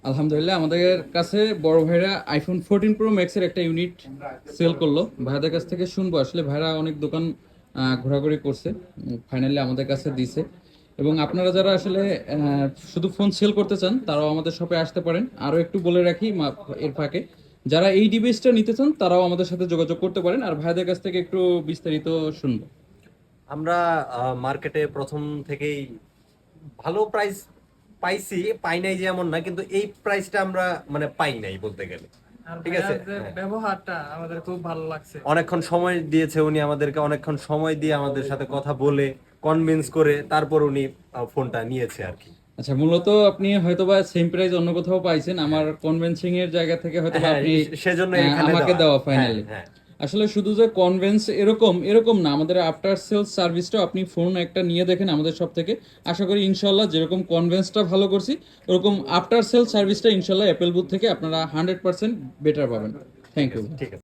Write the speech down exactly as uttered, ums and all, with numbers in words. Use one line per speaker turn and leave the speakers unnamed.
আলহামদুলিল্লাহ আমাদের কাছে বড় ভাইরা আইফোন ফোরটিন প্রো ম্যাক্সের একটা ইউনিট সেল করলো। ভাইদের কাছ থেকে শুনবো আসলে ভাইরা অনেক দোকান আহ, ঘোরাঘুরি করছে, ফাইনালি আমাদের কাছে দিছে। এবং আপনারা যারা আসলে আহ, শুধু ফোন সেল করতে চান তারাও আমাদের শপে আসতে পারেন। আরও একটু বলে রাখি মা- এর ফাঁকে যারা এই ডিভাইসটা নিতে চান তারাও আমাদের সাথে যোগাযোগ করতে পারেন। আর ভাইদের কাছ থেকে একটু বিস্তারিত শুনবো।
আমরা মার্কেটে প্রথম থেকেই ভালো প্রাইস পাইছি, পাই নাই যে এমন না, কিন্তু এই প্রাইসটা আমরা মানে পাই নাই বলতে গেলে।
আর
ঠিক আছে,
ভাইয়ার যে
হ্যাঁ।
ব্যবহারটা আমাদের খুব ভালো লাগছে।
অনেকক্ষণ সময় দিয়েছে উনি আমাদেরকে, অনেকক্ষণ সময় দিয়ে আমাদের সাথে কথা বলে কনভিন্স করে তারপর উনি আহ, ফোনটা নিয়েছে আর কি।
আচ্ছা, মূলত আপনি হয়তোবা সেম প্রাইস অন্য কোথাও পাইছেন, আমার কনভেন্সিং এর জায়গা থেকে হয়তোবা
হ্যাঁ,
আপনি
সেজন্য
আহ,
এখানে
আমাকে
দেওয়া।
দেওয়া
হ্যাঁ,
ফাইনালি।
হ্যাঁ।
আসলে শুধু যে কনভেন্স এরকম এরকম না, আমাদের আফটার সেলস সার্ভিসটাও আপনি ফোন একটা নিয়ে দেখেন আমাদের সব থেকে। আশা করি ইনশাল্লাহ যেরকম কনভেন্সটা ভালো করছি ওরকম আফটার সেলস সার্ভিসটা ইনশাল্লাহ অ্যাপেল বুথ থেকে আপনারা হান্ড্রেড পার্সেন্ট বেটার পাবেন। থ্যাংক
ঠিক
ইউ।
আছে, ঠিক আছে।